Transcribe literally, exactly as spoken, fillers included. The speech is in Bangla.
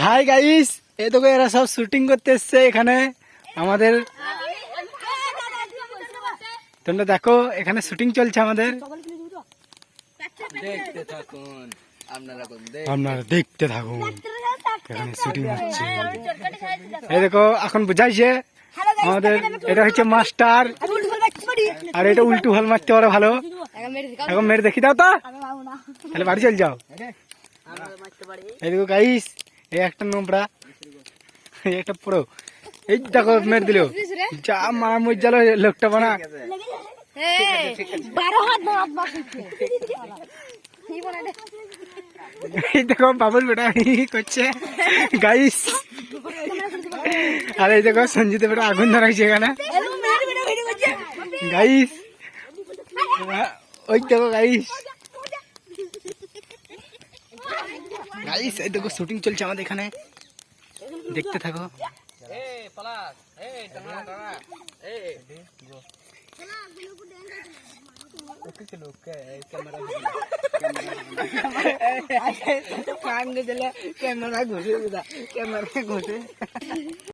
হাই গাইস, এই দেখো এরা সব শুটিং করতে এসছে এখানে আমাদের। তোমরা দেখো এখানে শুটিং চলছে আমাদের, দেখতে থাকুন আপনারা, আপনারা দেখতে থাকুন এখানে শুটিং হচ্ছে। এই দেখো এখন বুঝাইছে আমাদের, এটা হচ্ছে মাস্টার আর এটা উল্টো হল মারতে পারে ভালো। এখন মেরে দেখি দাও তো, তাহলে বাড়ি চল যাও। এই দেখো গাইস, এই একটা নোংরা, এই একটা পুরো, এই দেখো মেরে দিল, যা মারা মজ্জাল লোকটা বানা। এই দেখো বাবুল বেটা করছে গাইস, আর এই দেখো সঞ্জিত বেটা আগুন ধরাইছে এখানে গাইস। ওই দেখো গাইস, গাইস এই দেখো শুটিং চলছে আমাদের এখানে, দেখতে থাকো। ক্যামেরা ঘুষে ক্যামেরা ঘুষে